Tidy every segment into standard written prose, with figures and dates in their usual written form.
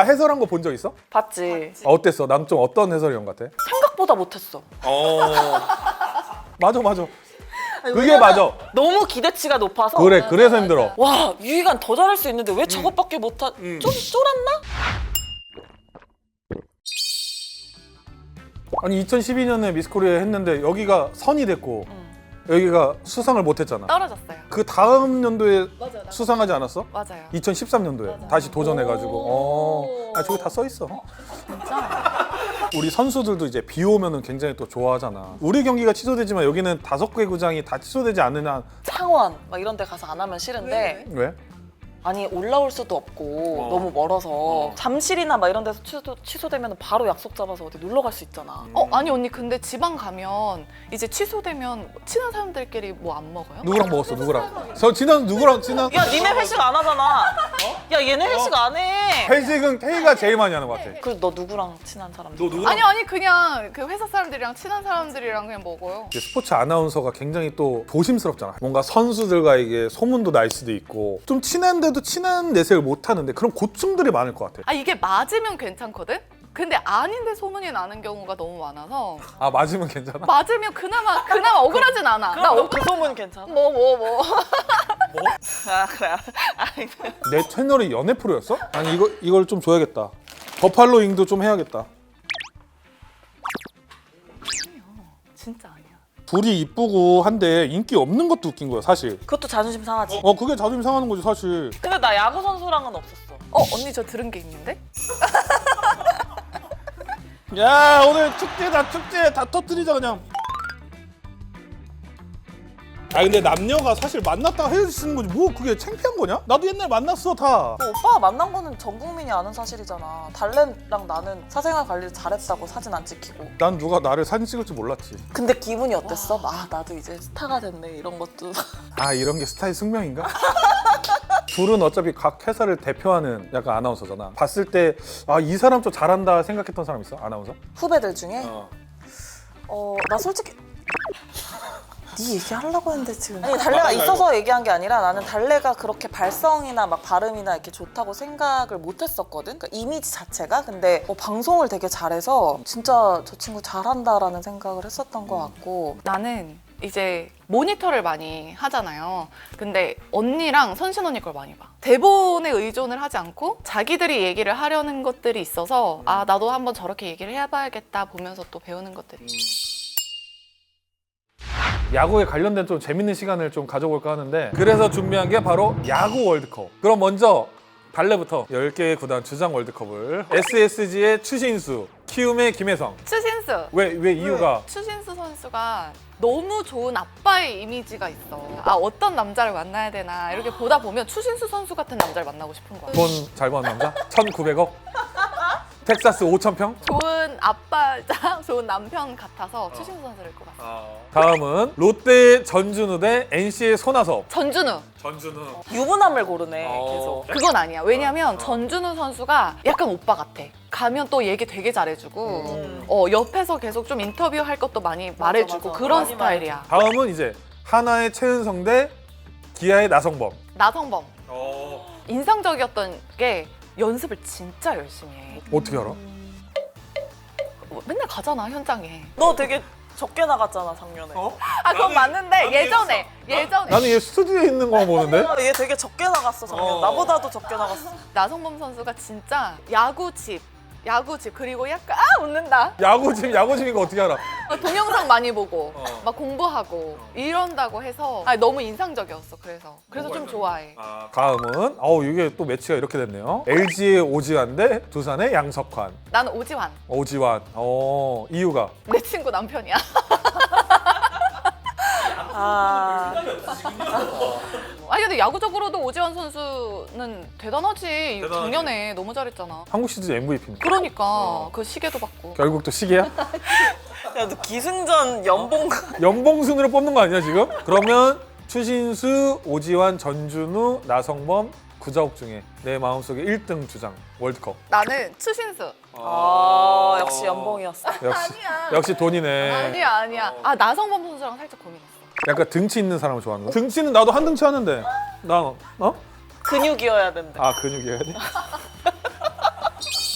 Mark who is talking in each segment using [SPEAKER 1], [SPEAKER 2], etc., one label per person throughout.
[SPEAKER 1] 해설한 거 본 적 있어?
[SPEAKER 2] 봤지.
[SPEAKER 1] 어땠어? 난 좀 어떤 해설위원 같아?
[SPEAKER 2] 생각보다 못했어.
[SPEAKER 1] 맞아 맞아.
[SPEAKER 2] 아니,
[SPEAKER 1] 그게
[SPEAKER 2] 왜냐면
[SPEAKER 1] 맞아.
[SPEAKER 2] 너무 기대치가 높아서.
[SPEAKER 1] 그래 그래서 힘들어.
[SPEAKER 2] 와 유희관 더 잘할 수 있는데 왜 저것밖에 못하? 좀 쫄았나?
[SPEAKER 1] 아니 2012년에 미스코리아 했는데 여기가 선이 됐고 여기가 수상을 못했잖아.
[SPEAKER 2] 떨어졌어요.
[SPEAKER 1] 그 다음 연도에
[SPEAKER 3] 맞아, 나
[SPEAKER 1] 수상하지 않았어?
[SPEAKER 3] 맞아요.
[SPEAKER 1] 2013년도에
[SPEAKER 3] 맞아.
[SPEAKER 1] 다시 도전해가지고.
[SPEAKER 3] 오.
[SPEAKER 1] 아 저기 다 써 있어.
[SPEAKER 2] 진짜?
[SPEAKER 1] 우리 선수들도 이제 비 오면은 굉장히 또 좋아하잖아. 우리 경기가 취소되지만 여기는 5개 구장이 다 취소되지 않는 한
[SPEAKER 2] 창원 막 이런 데 가서 안 하면 싫은데
[SPEAKER 1] 왜?
[SPEAKER 2] 아니 올라올 수도 없고 너무 멀어서 잠실이나 막 이런 데서 취소되면 바로 약속 잡아서 어디 놀러 갈 수 있잖아.
[SPEAKER 3] 아니 언니 근데 지방 가면 이제 취소되면 친한 사람들끼리 뭐 안 먹어요?
[SPEAKER 1] 누구랑 먹었어? 누구랑? 저 지난 누구랑 친한?
[SPEAKER 2] 야 니네 회식 안 하잖아. 야 얘네 회식 안 해.
[SPEAKER 1] 회식은 K가 제일 많이 하는 것 같아.
[SPEAKER 2] 그리고 너 누구랑 친한 사람?
[SPEAKER 1] 너 누구랑?
[SPEAKER 3] 아니 그냥 그 회사 사람들이랑 친한 사람들이랑 그냥 먹어요.
[SPEAKER 1] 이제 스포츠 아나운서가 굉장히 또 조심스럽잖아. 뭔가 선수들과 이게 소문도 날 수도 있고 좀 친한데도 친한 내색을 못 하는데 그런 고충들이 많을 것 같아.
[SPEAKER 3] 아 이게 맞으면 괜찮거든? 근데 아닌데 소문이 나는 경우가 너무 많아서
[SPEAKER 1] 아 맞으면 괜찮아?
[SPEAKER 3] 맞으면 그나마 억울하진 않아. 나
[SPEAKER 2] 그럼 그 소문 괜찮아?
[SPEAKER 3] 뭐.
[SPEAKER 2] 아 그래. 아니
[SPEAKER 1] 내 채널이 연애 프로였어? 아니 이걸 좀 줘야겠다. 버팔로 잉도 좀 해야겠다.
[SPEAKER 3] 진짜 아니야.
[SPEAKER 1] 둘이 이쁘고 한데 인기 없는 것도 웃긴 거야 사실.
[SPEAKER 2] 그것도 자존심 상하지.
[SPEAKER 1] 그게 자존심 상하는 거지 사실.
[SPEAKER 2] 근데 나 야구 선수랑은 없었어.
[SPEAKER 3] 언니 저 들은 게 있는데?
[SPEAKER 1] 야 오늘 축제 다 터뜨리자 그냥. 아 근데 남녀가 사실 만났다가 헤어지는 거지 뭐 그게 창피한 거냐? 나도 옛날에 만났어 다.
[SPEAKER 2] 그 오빠가 만난 거는 전 국민이 아는 사실이잖아. 달래랑 나는 사생활 관리를 잘했다고 사진 안 찍히고.
[SPEAKER 1] 난 누가 나를 사진 찍을 줄 몰랐지.
[SPEAKER 2] 근데 기분이 어땠어? 아 나도 이제 스타가 됐네 이런 것도.
[SPEAKER 1] 아 이런 게 스타의 숙명인가? 둘은 어차피 각 회사를 대표하는 약간 아나운서잖아. 봤을 때 아 이 사람 좀 잘한다 생각했던 사람 있어? 아나운서?
[SPEAKER 2] 후배들 중에 나 솔직히 네 얘기하려고 했는데 지금 아니 달래가 있어서 얘기한 게 아니라 나는 달래가 그렇게 발성이나 막 발음이나 이렇게 좋다고 생각을 못 했었거든. 그러니까 이미지 자체가. 근데 방송을 되게 잘해서 진짜 저 친구 잘한다라는 생각을 했었던 것 같고.
[SPEAKER 3] 나는 이제 모니터를 많이 하잖아요. 근데 언니랑 선신 언니 걸 많이 봐. 대본에 의존을 하지 않고 자기들이 얘기를 하려는 것들이 있어서 아 나도 한번 저렇게 얘기를 해봐야겠다 보면서 또 배우는 것들이.
[SPEAKER 1] 야구에 관련된 좀 재밌는 시간을 좀 가져볼까 하는데 그래서 준비한 게 바로 야구 월드컵. 그럼 먼저 달래부터 10개의 구단 주장 월드컵을 SSG의 추신수, 키움의 김혜성.
[SPEAKER 3] 추신수.
[SPEAKER 1] 왜 이유가?
[SPEAKER 3] 추신수 선수가 너무 좋은 아빠의 이미지가 있어. 아 어떤 남자를 만나야 되나 이렇게 보다 보면 추신수 선수 같은 남자를 만나고 싶은 거야.
[SPEAKER 1] 돈 잘 버는 남자? 1,900억? 텍사스 5,000평?
[SPEAKER 3] 좋은 아빠자 좋은 남편 같아서 추신수 선수를 꼽았어.
[SPEAKER 1] 다음은 롯데의 전준우 대 NC의 손아섭.
[SPEAKER 3] 전준우.
[SPEAKER 1] 전준우.
[SPEAKER 2] 유부남을 고르네 계속.
[SPEAKER 3] 그건 아니야. 왜냐면 전준우 선수가 약간 오빠 같아. 가면 또 얘기 되게 잘해주고 옆에서 계속 좀 인터뷰할 것도 많이 말해주고
[SPEAKER 2] 맞아.
[SPEAKER 3] 그런
[SPEAKER 2] 많이
[SPEAKER 3] 스타일이야.
[SPEAKER 1] 다음은 이제 하나의 최은성 대 기아의 나성범.
[SPEAKER 3] 나성범. 인상적이었던 게 연습을 진짜 열심히 해.
[SPEAKER 1] 어떻게 알아?
[SPEAKER 3] 맨날 가잖아 현장에.
[SPEAKER 2] 너 되게 적게 나갔잖아 작년에.
[SPEAKER 3] 아 그건 맞는데 예전에
[SPEAKER 1] 나는 얘 스튜디오에 있는 거 보는데?
[SPEAKER 2] 얘 되게 적게 나갔어 작년. 나보다도 적게 나갔어.
[SPEAKER 3] 나성범 선수가 진짜 야구집 그리고 약간 웃는다.
[SPEAKER 1] 야구집이가 어떻게 알아?
[SPEAKER 3] 동영상 많이 보고 막 공부하고 이런다고 해서 너무 인상적이었어. 그래서 좀 좋아해.
[SPEAKER 1] 다음은 이게 또 매치가 이렇게 됐네요. LG의 오지환 대 두산의 양석환.
[SPEAKER 3] 나는 오지환.
[SPEAKER 1] 오지환. 이유가?
[SPEAKER 3] 내 친구 남편이야. 아니 근데 야구적으로도 오지환 선수는 대단하지. 작년에 너무 잘했잖아.
[SPEAKER 1] 한국 시리즈 MVP입니다.
[SPEAKER 3] 그러니까 그 시계도 받고.
[SPEAKER 1] 결국 또 시계야?
[SPEAKER 2] 야 너 기승전 연봉.
[SPEAKER 1] 연봉순으로 뽑는 거 아니야 지금? 그러면 추신수, 오지환, 전준우, 나성범, 구자욱 중에 내 마음속에 1등 주장 월드컵.
[SPEAKER 3] 나는 추신수.
[SPEAKER 2] 역시 연봉이었어.
[SPEAKER 1] 역시 돈이네.
[SPEAKER 3] 아니야. 나성범 선수랑 살짝 고민했어.
[SPEAKER 1] 약간 등치 있는 사람을 좋아하는 거? 등치는 나도 한 등치 하는데 나
[SPEAKER 2] 근육이어야 된대.
[SPEAKER 1] 근육이어야 돼?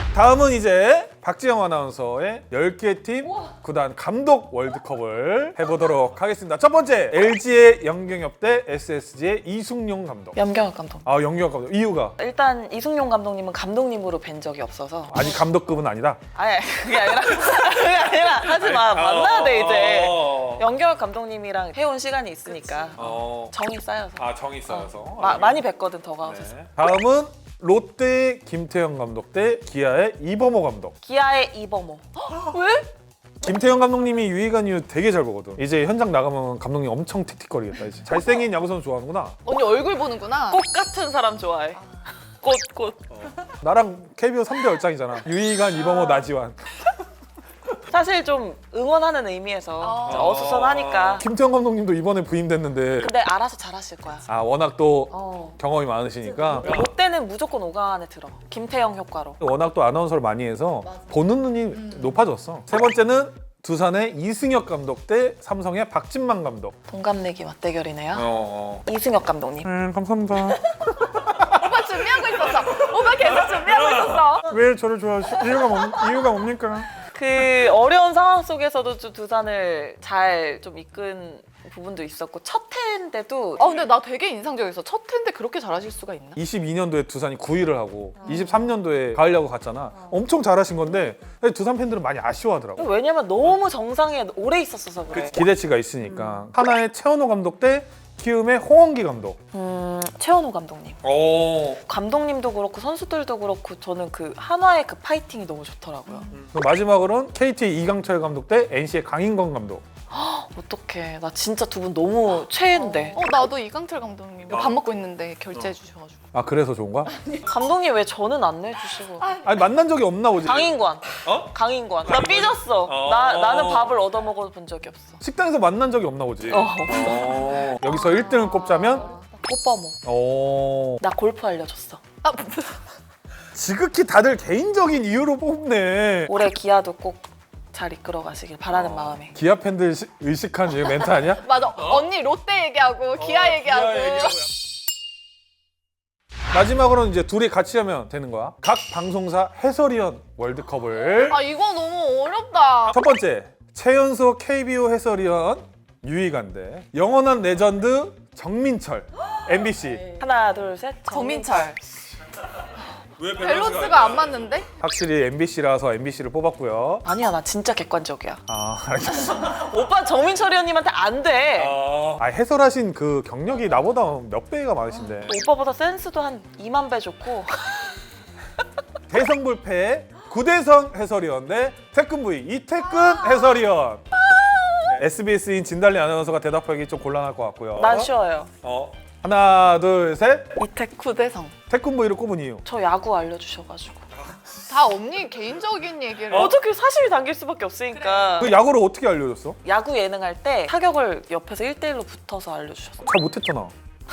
[SPEAKER 1] 다음은 이제 박지영 아나운서의 10개 팀 구단 감독 월드컵을 해보도록 하겠습니다. 첫 번째, LG의 영경엽 대 SSG의 이승용 감독.
[SPEAKER 2] 염경엽 감독.
[SPEAKER 1] 아, 영경엽 감독. 이유가?
[SPEAKER 2] 일단 이승용 감독님은 감독님으로 뵌 적이 없어서.
[SPEAKER 1] 아니, 감독급은 아니다.
[SPEAKER 2] 아니 그게 아니라 그게 아니라 하지 마. 만나야 돼 이제.
[SPEAKER 1] 어.
[SPEAKER 2] 염경엽 감독님이랑 해온 시간이 있으니까 정이 쌓여서.
[SPEAKER 1] 아, 정이 쌓여서.
[SPEAKER 2] 많이 뵀거든 더 가서.
[SPEAKER 1] 네. 다음은 롯데의 김태형 감독 대 기아의 이범호 감독.
[SPEAKER 2] 기아의 이범호. 왜?
[SPEAKER 1] 김태형 감독님이 유희관 이후 되게 잘 보거든. 이제 현장 나가면 감독님 엄청 틱틱거리겠다 이제. 잘생긴 야구선수 좋아하는구나.
[SPEAKER 3] 언니 얼굴 보는구나.
[SPEAKER 2] 꽃 같은 사람 좋아해. 꽃.
[SPEAKER 1] 나랑 KBO 3대 얼짱이잖아. 유희관, 이범호, 나지완.
[SPEAKER 2] 사실 좀 응원하는 의미에서 어수선하니까.
[SPEAKER 1] 김태형 감독님도 이번에 부임됐는데
[SPEAKER 2] 근데 알아서 잘하실 거야.
[SPEAKER 1] 아, 워낙 또 경험이 많으시니까
[SPEAKER 2] 롯데는 무조건 5강 안에 들어. 김태형 효과로.
[SPEAKER 1] 워낙 또 아나운서를 많이 해서 보는 눈이 높아졌어. 세 번째는 두산의 이승엽 감독 대 삼성의 박진만 감독.
[SPEAKER 2] 동갑내기 맞대결이네요. 이승엽 감독님.
[SPEAKER 1] 감사합니다.
[SPEAKER 3] 오빠 준비하고 있었어. 오빠 계속 준비하고 있었어.
[SPEAKER 1] 왜 저를 좋아하시죠? 이유가 뭡니까?
[SPEAKER 2] 그 어려운 상황 속에서도 좀 두산을 잘 좀 이끈 부분도 있었고 첫 해인데도
[SPEAKER 3] 근데 나 되게 인상적이었어. 첫 해인데 그렇게 잘하실 수가 있나?
[SPEAKER 1] 22년도에 두산이 9위를 하고 23년도에 가을 야구 갔잖아. 엄청 잘하신 건데 두산 팬들은 많이 아쉬워하더라고.
[SPEAKER 2] 왜냐면 너무 정상에 오래 있었어서 그래.
[SPEAKER 1] 기대치가 있으니까. 하나의 최원호 감독 대 키움의 홍원기 감독.
[SPEAKER 2] 최원호 감독님.
[SPEAKER 1] 오.
[SPEAKER 2] 감독님도 그렇고 선수들도 그렇고 저는 그 한화의 그 파이팅이 너무 좋더라고요.
[SPEAKER 1] 마지막으로는 KT 이강철 감독 대 NC의 강인권 감독.
[SPEAKER 2] 어떡해. 나 진짜 두 분 너무 최애인데.
[SPEAKER 3] 나도 이강철 감독님 밥 먹고 있는데 결제해 주셔가지고.
[SPEAKER 1] 아, 그래서 좋은 거야?
[SPEAKER 2] 감독님 왜 저는 안 내주시고.
[SPEAKER 1] 아니, 만난 적이 없나 보지.
[SPEAKER 2] 강인권. 강인권. 나 삐졌어. 나는 밥을 얻어먹어 본 적이 없어.
[SPEAKER 1] 식당에서 만난 적이 없나 보지. 여기서 1등을 꼽자면
[SPEAKER 2] 꽃바모. 나 골프 알려줬어.
[SPEAKER 1] 지극히 다들 개인적인 이유로 뽑네.
[SPEAKER 2] 올해 기아도 꼭 잘 이끌어 가시길 바라는 마음에.
[SPEAKER 1] 기아 팬들 의식한 이 멘트 아니야?
[SPEAKER 3] 맞아. 언니 롯데 얘기하고 기아 얘기하고.
[SPEAKER 1] 마지막으로는 이제 둘이 같이 하면 되는 거야. 각 방송사 해설위원 월드컵을.
[SPEAKER 3] 이거 너무 어렵다.
[SPEAKER 1] 첫 번째, 최연소 KBO 해설위원 유희관 대 영원한 레전드 정민철 MBC.
[SPEAKER 2] 하나 둘 셋.
[SPEAKER 3] 정민철. 밸런스가 안 맞는데?
[SPEAKER 1] 확실히 MBC라서 MBC를 뽑았고요.
[SPEAKER 2] 아니야 나 진짜 객관적이야.
[SPEAKER 1] 알겠어.
[SPEAKER 2] 오빠 정민철 의원님한테 안 돼.
[SPEAKER 1] 해설하신 그 경력이 나보다 몇 배가 많으신데.
[SPEAKER 2] 오빠보다 센스도 한 2만 배 좋고.
[SPEAKER 1] 대성불패 구대성 해설위원 대 태권브이 이태근 해설위원. SBS인 진달리 아나운서가 대답하기 좀 곤란할 것 같고요.
[SPEAKER 2] 난 쉬워요.
[SPEAKER 1] 하나, 둘, 셋.
[SPEAKER 3] 구대성.
[SPEAKER 1] 태권브이를 꼽은 이유.
[SPEAKER 2] 저 야구 알려주셔가지고.
[SPEAKER 3] 다 언니 개인적인 얘기를.
[SPEAKER 2] 어떻게 사심이 담길 수밖에 없으니까.
[SPEAKER 1] 그 야구를 어떻게 알려줬어?
[SPEAKER 2] 야구 예능할 때 타격을 옆에서 1대1로 붙어서 알려주셨어.
[SPEAKER 1] 잘 못했잖아.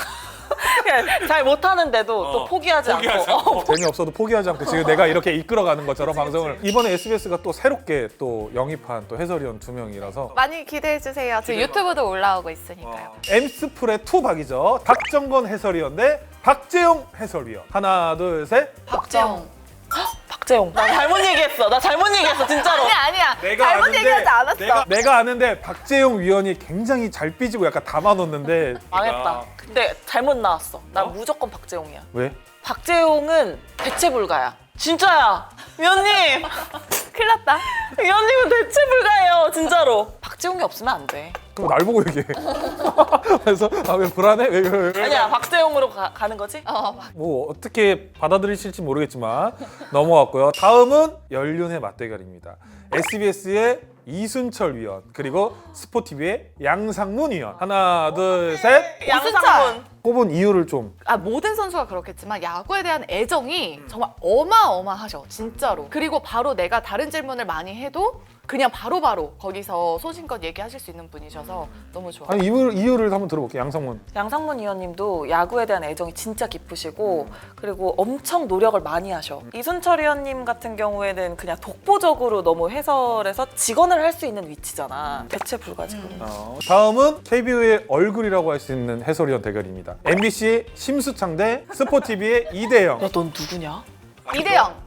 [SPEAKER 2] 잘 못하는데도 또 포기하지 않고.
[SPEAKER 1] 재미없어도 포기하지 않고 지금 내가 이렇게 이끌어가는 것처럼 방송을. 이번에 SBS가 또 새롭게 또 영입한 또 해설위원 2명이라서
[SPEAKER 3] 많이 기대해 주세요. 지금 유튜브도 올라오고 있으니까요.
[SPEAKER 1] 엠스풀의 투박이죠. 박정건 해설위원 대 박재용 해설위원. 하나, 둘, 셋.
[SPEAKER 3] 박재용.
[SPEAKER 2] 박재용. 나 잘못 얘기했어 진짜로.
[SPEAKER 3] 아니야. 잘못 얘기하지 않았어.
[SPEAKER 1] 내가 아는데 박재용 위원이 굉장히 잘 삐지고 약간 담아놓는데
[SPEAKER 2] 망했다. 근데 잘못 나왔어. 난 무조건 박재용이야.
[SPEAKER 1] 왜?
[SPEAKER 2] 박재용은 대체 불가야. 진짜야. 위원님.
[SPEAKER 3] 큰일 났다.
[SPEAKER 2] 위원님은 대체 불가예요. 진짜로. 박재용이 없으면 안 돼.
[SPEAKER 1] 그럼 날 보고 얘기해. 그래서 왜 불안해? 왜?
[SPEAKER 2] 아니야 박재용으로 가는 거지?
[SPEAKER 1] 뭐 어떻게 받아들이실지 모르겠지만 넘어왔고요. 다음은 연륜의 맞대결입니다. SBS의 이순철 위원 그리고 스포티비의 양상문 위원. 하나, 둘, 셋.
[SPEAKER 2] 양상문.
[SPEAKER 1] 꼽은 이유를 좀.
[SPEAKER 3] 모든 선수가 그렇겠지만 야구에 대한 애정이 정말 어마어마하셔. 진짜로. 그리고 바로 내가 다른 질문을 많이 해도 그냥 바로바로 거기서 소신껏 얘기하실 수 있는 분이셔서 너무 좋아요.
[SPEAKER 1] 아니 이유를 한번 들어볼게요. 양상문.
[SPEAKER 2] 양상문 의원님도 야구에 대한 애정이 진짜 깊으시고 그리고 엄청 노력을 많이 하셔. 이순철 의원님 같은 경우에는 그냥 독보적으로 너무 해설해서 직원을 할 수 있는 위치잖아. 대체 불가지.
[SPEAKER 1] 다음은 KBO의 얼굴이라고 할 수 있는 해설위원 대결입니다. MBC의 심수창 대 스포티비의 이대영.
[SPEAKER 2] 야, 넌 누구냐?
[SPEAKER 3] 이대영.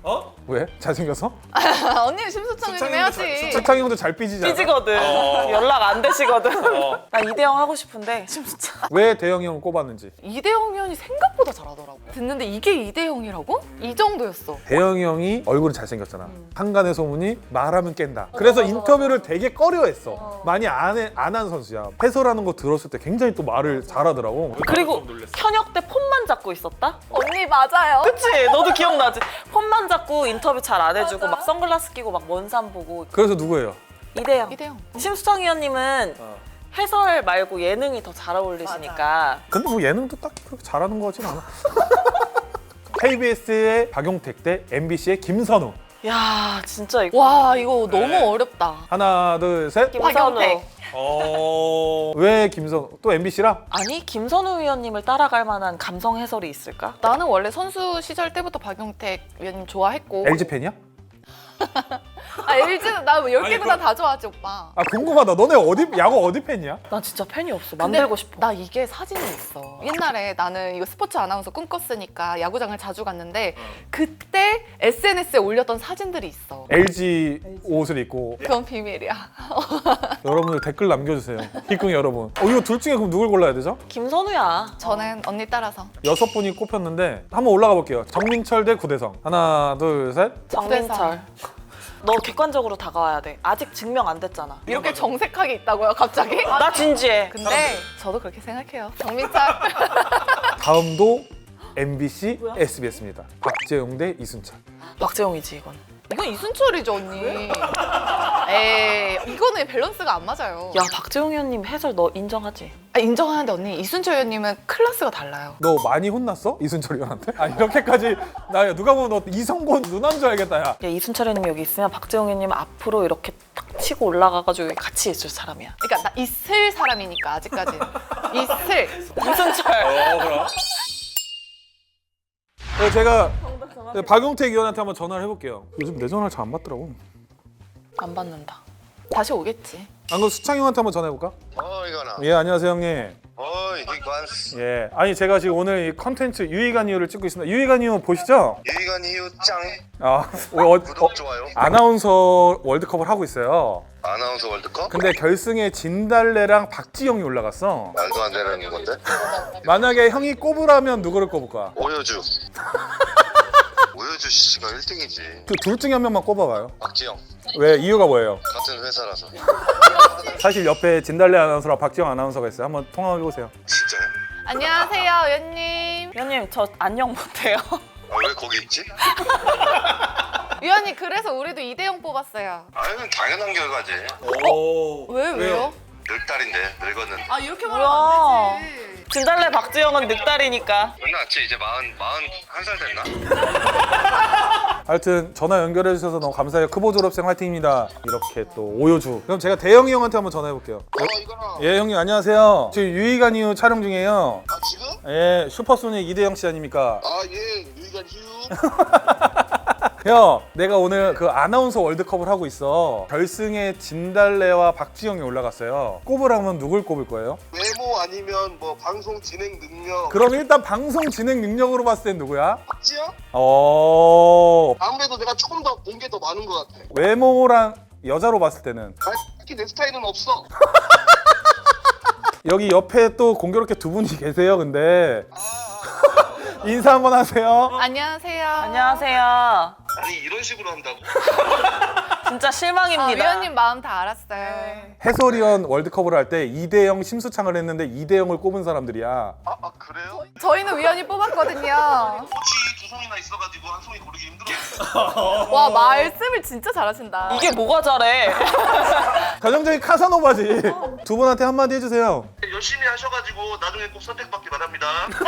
[SPEAKER 1] 왜? 잘생겨서?
[SPEAKER 3] 언니는 심수창 해야지.
[SPEAKER 1] 수창이 형도 잘 삐지잖아.
[SPEAKER 2] 삐지거든. 연락 안 되시거든. 나 이대영 하고 싶은데 심수창.
[SPEAKER 1] 왜 대영이 형을 꼽았는지.
[SPEAKER 3] 이대영 위원이 생각보다 잘하더라고. 듣는데 이게 이대영이라고? 이 정도였어.
[SPEAKER 1] 대영이 형이 얼굴은 잘생겼잖아. 한간의 소문이 말하면 깬다. 그래서 인터뷰를 되게 꺼려했어. 많이 안 한 선수야. 해설하는 거 들었을 때 굉장히 또 말을 잘하더라고.
[SPEAKER 2] 그리고 현역 때 폰만 잡고 있었다?
[SPEAKER 3] 언니 맞아요.
[SPEAKER 2] 그치? 너도 기억나지? 폰만 잡고 인터뷰 잘 안 해주고 막 선글라스 끼고 막 먼 산 보고.
[SPEAKER 1] 그래서 누구예요?
[SPEAKER 2] 이대영.
[SPEAKER 3] 이대영.
[SPEAKER 2] 심수창 위원님은 해설 말고 예능이 더 잘 어울리시니까.
[SPEAKER 1] 근데 뭐 예능도 딱히 그렇게 잘하는 거 같진 않아. KBS의 박용택 대 MBC의 김선우.
[SPEAKER 2] 야 진짜 이거.
[SPEAKER 3] 와 이거 너무 어렵다.
[SPEAKER 1] 하나, 둘, 셋.
[SPEAKER 3] 박용택.
[SPEAKER 1] 왜 김선우? 또 MBC라?
[SPEAKER 2] 아니 김선우 위원님을 따라갈 만한 감성 해설이 있을까?
[SPEAKER 3] 나는 원래 선수 시절 때부터 박용택 위원님 좋아했고.
[SPEAKER 1] LG 팬이야?
[SPEAKER 3] 아 LG는 나 10개 구단 다 좋아하지 오빠.
[SPEAKER 1] 아 궁금하다. 너네 야구 어디 팬이야?
[SPEAKER 2] 난 진짜 팬이 없어.
[SPEAKER 3] 근데
[SPEAKER 2] 만들고 싶어.
[SPEAKER 3] 나 이게 사진이 있어. 옛날에 나는 이거 스포츠 아나운서 꿈꿨으니까 야구장을 자주 갔는데 그때 SNS에 올렸던 사진들이 있어.
[SPEAKER 1] LG 옷을 입고
[SPEAKER 3] 그건 비밀이야.
[SPEAKER 1] 여러분들 댓글 남겨주세요. 희궁 여러분. 이거 둘 중에 그럼 누굴 골라야 되죠?
[SPEAKER 2] 김선우야.
[SPEAKER 3] 저는 언니 따라서.
[SPEAKER 1] 6분이 꼽혔는데 한번 올라가 볼게요. 정민철 대 구대성. 하나, 둘, 셋.
[SPEAKER 2] 정민철. 너 객관적으로 다가와야 돼. 아직 증명 안 됐잖아.
[SPEAKER 3] 이렇게 정색하게 있다고요 갑자기?
[SPEAKER 2] 나 진지해.
[SPEAKER 3] 근데 저도 그렇게 생각해요. 정민철.
[SPEAKER 1] 다음도 MBC, SBS입니다. 박재용 대 이순철.
[SPEAKER 2] 박재홍이지 이건.
[SPEAKER 3] 이건 이순철이죠 언니. 에이 이거는 밸런스가 안 맞아요.
[SPEAKER 2] 야 박재홍 위원님 해설 너 인정하지?
[SPEAKER 3] 아, 인정하는데 언니 이순철 위원님은 클래스가 달라요.
[SPEAKER 1] 너 많이 혼났어? 이순철 의원한테? 아 이렇게까지 나 누가 보면 너 이성곤 누나인 줄 알겠다 야.
[SPEAKER 2] 야 이순철 위원님 여기 있으면 박재홍 위원님 앞으로 이렇게 탁 치고 올라가가지고 같이 있을 사람이야.
[SPEAKER 3] 그러니까 나 있을 사람이니까 아직까지는. 있을.
[SPEAKER 2] 이순철.
[SPEAKER 1] 그럼. 제가 박용택 의원한테 한번 전화를 해볼게요. 요즘 내 전화를 잘 안 받더라고.
[SPEAKER 2] 안 받는다.
[SPEAKER 3] 다시 오겠지.
[SPEAKER 1] 안 그럼 수창 형한테 한번 전화해볼까?
[SPEAKER 4] 이거나.
[SPEAKER 1] 예 안녕하세요 형님.
[SPEAKER 4] 이관스.
[SPEAKER 1] 예 아니 제가 지금 오늘 이 컨텐츠 유희관 이유를 찍고 있습니다. 유희관 이유 보시죠?
[SPEAKER 4] 유희관 이유 짱.
[SPEAKER 1] 구독
[SPEAKER 4] 좋아요.
[SPEAKER 1] 아나운서 월드컵을 하고 있어요.
[SPEAKER 4] 아나운서 월드컵?
[SPEAKER 1] 근데 결승에 진달래랑 박지영이 올라갔어.
[SPEAKER 4] 말도 안 되는 건데.
[SPEAKER 1] 만약에 형이 꼽으라면 누구를 꼽을 거야?
[SPEAKER 4] 오효주. 오효주 씨가 1등이지.
[SPEAKER 1] 그 둘 중에 한 명만 꼽아봐요.
[SPEAKER 4] 박지영.
[SPEAKER 1] 왜 이유가 뭐예요?
[SPEAKER 4] 같은 회사라서.
[SPEAKER 1] 사실 옆에 진달래 아나운서랑 박지영 아나운서가 있어요. 한번 통화해 보세요.
[SPEAKER 4] 진짜요?
[SPEAKER 3] 안녕하세요 위원님.
[SPEAKER 2] 위원님 저 안녕 못해요.
[SPEAKER 4] 왜 거기 있지?
[SPEAKER 3] 위원님 그래서 우리도 이대영 뽑았어요.
[SPEAKER 4] 아유는 당연한 결과지.
[SPEAKER 3] 왜요?
[SPEAKER 4] 늙다린데 늙었는데.
[SPEAKER 3] 아 이렇게
[SPEAKER 2] 뭐야.
[SPEAKER 3] 말하면 안 되지.
[SPEAKER 2] 진달래 박재영은 늑다리니까.
[SPEAKER 4] 끝났지 이제 41살 됐나?
[SPEAKER 1] 하여튼 전화 연결해 주셔서 너무 감사해요. 크보 졸업생 화이팅입니다. 이렇게 또 오효주. 그럼 제가 대영이 형한테 한번 전화해 볼게요.
[SPEAKER 4] 이거나.
[SPEAKER 1] 예 형님 안녕하세요. 지금 유희관 이후 촬영 중이에요.
[SPEAKER 4] 지금?
[SPEAKER 1] 예 슈퍼소닉 이대영 씨 아닙니까?
[SPEAKER 4] 유희관 이유.
[SPEAKER 1] 형 내가 오늘 그 아나운서 월드컵을 하고 있어. 결승에 진달래와 박지영이 올라갔어요. 꼽으라면 누굴 꼽을 거예요?
[SPEAKER 4] 외모 아니면 뭐 방송 진행 능력.
[SPEAKER 1] 그럼 일단 방송 진행 능력으로 봤을 땐 누구야?
[SPEAKER 4] 박지영? 아무래도 내가 조금 더 본 게 더 많은 것 같아.
[SPEAKER 1] 외모랑 여자로 봤을 때는
[SPEAKER 4] 딱히 내 스타일은 없어.
[SPEAKER 1] 여기 옆에 또 공교롭게 두 분이 계세요. 근데 인사 한번 하세요.
[SPEAKER 3] 안녕하세요.
[SPEAKER 2] 안녕하세요.
[SPEAKER 4] 아니 이런 식으로 한다고?
[SPEAKER 2] 진짜
[SPEAKER 3] 아,
[SPEAKER 2] 실망입니다.
[SPEAKER 3] 위원님 마음 다 알았어요.
[SPEAKER 1] 해설위원 월드컵을 할 때 이대영 심수창을 했는데 이대영을 꼽은 사람들이야.
[SPEAKER 4] 그래요?
[SPEAKER 3] 저희는 위원이 뽑았거든요.
[SPEAKER 4] 꽃이 두 송이나 있어가지고 한 송이 고르기 힘들어.
[SPEAKER 3] 와 말씀을 진짜 잘하신다.
[SPEAKER 2] 이게 뭐가 잘해?
[SPEAKER 1] 가정적인 카사노바지. 두 분한테 한마디 해주세요.
[SPEAKER 4] 열심히 하셔가지고 나중에 꼭 선택받기 바랍니다.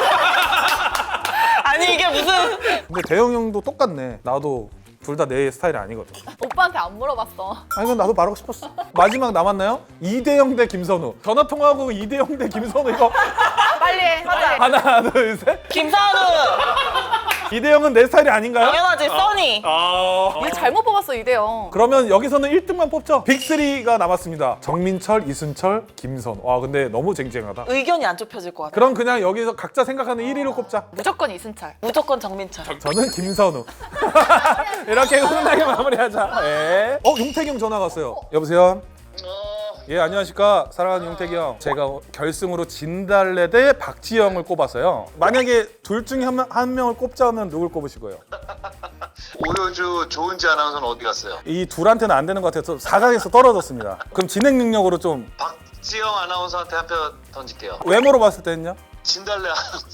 [SPEAKER 2] 아니 이게 무슨?
[SPEAKER 1] 근데 대영 형도 똑같네. 나도 둘 다 내 스타일이 아니거든.
[SPEAKER 3] 오빠한테 안 물어봤어.
[SPEAKER 1] 아니 근데 나도 말하고 싶었어. 마지막 남았나요? 이대영 대 김선우. 전화 통화하고 이대영 대 김선우 이거
[SPEAKER 3] 빨리 해. 빨리.
[SPEAKER 1] 하나 둘 셋.
[SPEAKER 2] 김선우.
[SPEAKER 1] 이대영은 내 스타일이 아닌가요?
[SPEAKER 2] 당연하지, 써니.
[SPEAKER 3] 얘 잘못 뽑았어 이대영.
[SPEAKER 1] 그러면 여기서는 1등만 뽑죠. 빅3가 남았습니다. 정민철, 이순철, 김선. 와 근데 너무 쟁쟁하다.
[SPEAKER 2] 의견이 안 좁혀질 것 같아.
[SPEAKER 1] 그럼 그냥 여기서 각자 생각하는 1위로 꼽자.
[SPEAKER 3] 무조건 이순철.
[SPEAKER 2] 무조건 정민철.
[SPEAKER 1] 저는 김선우. 이렇게 훈훈하게 마무리하자. 네. 용태경 전화 왔어요. 여보세요? 예, 안녕하십니까. 사랑하는 용태기 형. 제가 결승으로 진달래 대 박지영을 꼽았어요. 만약에 둘 중에 한 명을 꼽자면 누굴 꼽으실 거예요?
[SPEAKER 4] 오효주 조은지 아나운서는 어디 갔어요?
[SPEAKER 1] 이 둘한테는 안 되는 것 같아서 4강에서 떨어졌습니다. 그럼 진행 능력으로 좀
[SPEAKER 4] 박지영 아나운서한테 한 표 던질게요.
[SPEAKER 1] 외모로 봤을 때는요?
[SPEAKER 4] 진달래 아나운서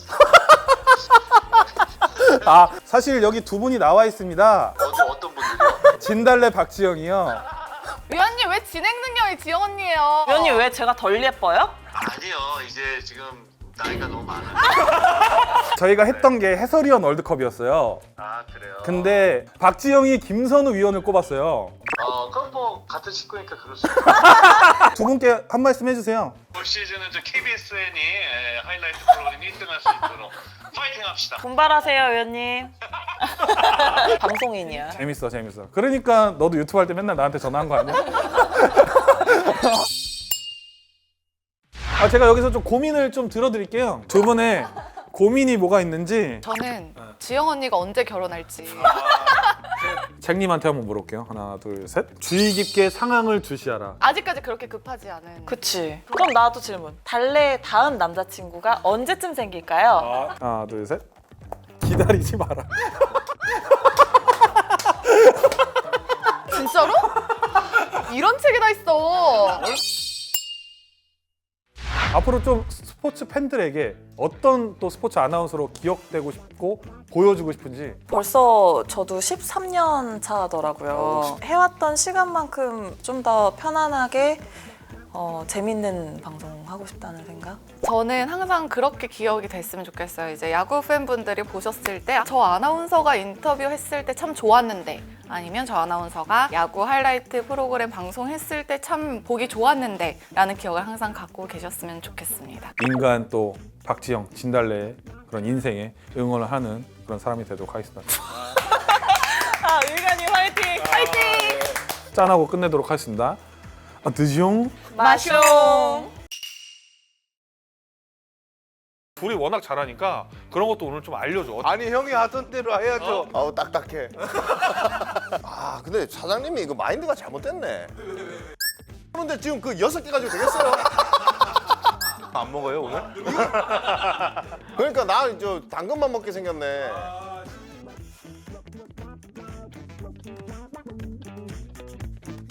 [SPEAKER 1] 아, 사실 여기 두 분이 나와 있습니다.
[SPEAKER 4] 어떤 분들이요?
[SPEAKER 1] 진달래 박지영이요.
[SPEAKER 3] 위원님 왜 진행 능력이 지영 언니예요?
[SPEAKER 2] 위원님 왜 제가 덜 예뻐요?
[SPEAKER 4] 아니요, 이제 지금 나이가 너무 많아요.
[SPEAKER 1] 저희가 했던 게 해설위원 월드컵이었어요.
[SPEAKER 4] 아 그래요?
[SPEAKER 1] 근데 박지영이 김선우 위원을 꼽았어요.
[SPEAKER 4] 그럼 뭐 같은 식구니까 그럴 수 있어요.
[SPEAKER 1] 두 분께 한 말씀 해주세요.
[SPEAKER 4] 올 시즌은 저 KBSN이 하이라이트 프로그램 1등할 수 있도록 파이팅 합시다.
[SPEAKER 2] 분발하세요, 위원님. 방송인이야.
[SPEAKER 1] 재밌어. 그러니까 너도 유튜브 할 때 맨날 나한테 전화한 거 아니야? 제가 여기서 좀 고민을 좀 들어드릴게요. 두 분의 고민이 뭐가 있는지
[SPEAKER 3] 저는 지영 언니가 언제 결혼할지.
[SPEAKER 1] 잭님한테 한번 물어볼게요. 하나, 둘, 셋. 주의 깊게 상황을 주시하라.
[SPEAKER 3] 아직까지 그렇게 급하지 않은.
[SPEAKER 2] 그치. 그럼 나도 질문. 달래 다음 남자친구가 언제쯤 생길까요?
[SPEAKER 1] 하나, 둘, 셋. 기다리지 마라.
[SPEAKER 3] 진짜로? 이런 책이 다 있어.
[SPEAKER 1] 앞으로 좀 스포츠 팬들에게 어떤 또 스포츠 아나운서로 기억되고 싶고 보여주고 싶은지.
[SPEAKER 2] 벌써 저도 13년 차더라고요. 해왔던 시간만큼 좀 더 편안하게 재밌는 방송 하고 싶다는 생각?
[SPEAKER 3] 저는 항상 그렇게 기억이 됐으면 좋겠어요. 이제 야구 팬분들이 보셨을 때 저 아나운서가 인터뷰했을 때 참 좋았는데, 아니면 저 아나운서가 야구 하이라이트 프로그램 방송했을 때 참 보기 좋았는데 라는 기억을 항상 갖고 계셨으면 좋겠습니다.
[SPEAKER 1] 인간 또 박지영, 진달래의 그런 인생에 응원을 하는 그런 사람이 되도록 하겠습니다.
[SPEAKER 2] 의관님 화이팅! 화이팅!
[SPEAKER 1] 짠하고 끝내도록 하겠습니다. 드숑.
[SPEAKER 2] 마숑!
[SPEAKER 1] 둘이 워낙 잘하니까 그런 것도 오늘 좀 알려줘.
[SPEAKER 5] 아니 형이 하던 대로 해야죠. 아우 딱딱해. 아 근데 사장님이 이거 마인드가 잘못됐네. 그런데 지금 그 6개 가지고 되겠어요?
[SPEAKER 1] 안 먹어요 오늘?
[SPEAKER 5] 그러니까 나 저 당근만 먹게 생겼네.